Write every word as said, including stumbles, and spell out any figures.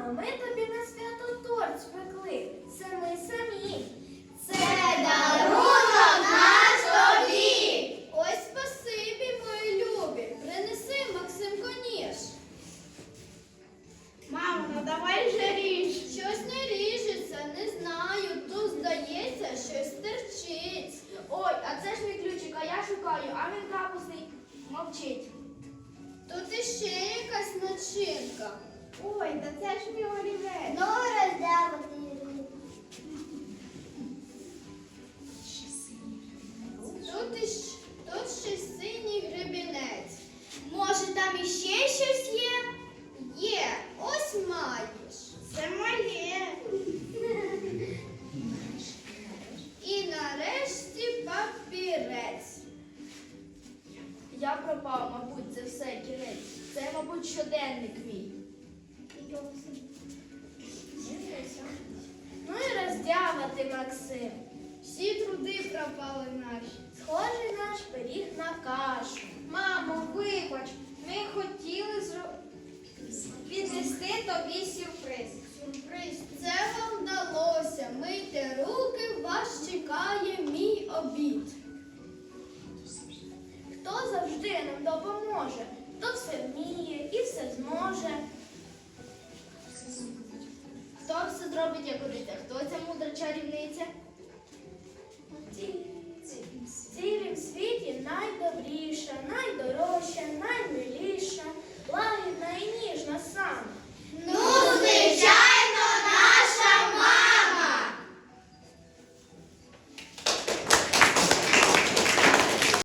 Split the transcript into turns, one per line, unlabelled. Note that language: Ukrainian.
Мамо, ми тобі на свято торт спекли. Це ми самі.
Це дарунок наш тобі.
Ось спасибі, мої любі. Принеси, Максимко, ніж.
Мамо, ну давай вже ріж.
Щось не ріжеться, не знаю. Тут, здається, щось терчить.
Ой, а це ж мій ключик, а я шукаю, а він капусний мовчить.
Тут іще якась начинка.
Ой, та це ж мій олівець.
Ну, роздявити. Тут, іщ... Тут ще синій гребінець. Може, там іще щось є? Є, ось маєш.
Це моє.
І нарешті папірець.
Я пропав, мабуть, це все кінець. Це, мабуть, щоденник мій. Ну і роздява ти, Максим.
Всі труди пропали наші.
Схожий наш пиріг на кашу.
Мамо, вибач, ми хотіли зро... віднести тобі сюрприз.
Сюрприз, це вам вдалося. Мийте руки, вас чекає мій обід.
Хто завжди нам допоможе, хто все вміє і все зможе. Хто все зробить, як годиться? Хто ця мудра чарівниця? В цілім світі найдобріша.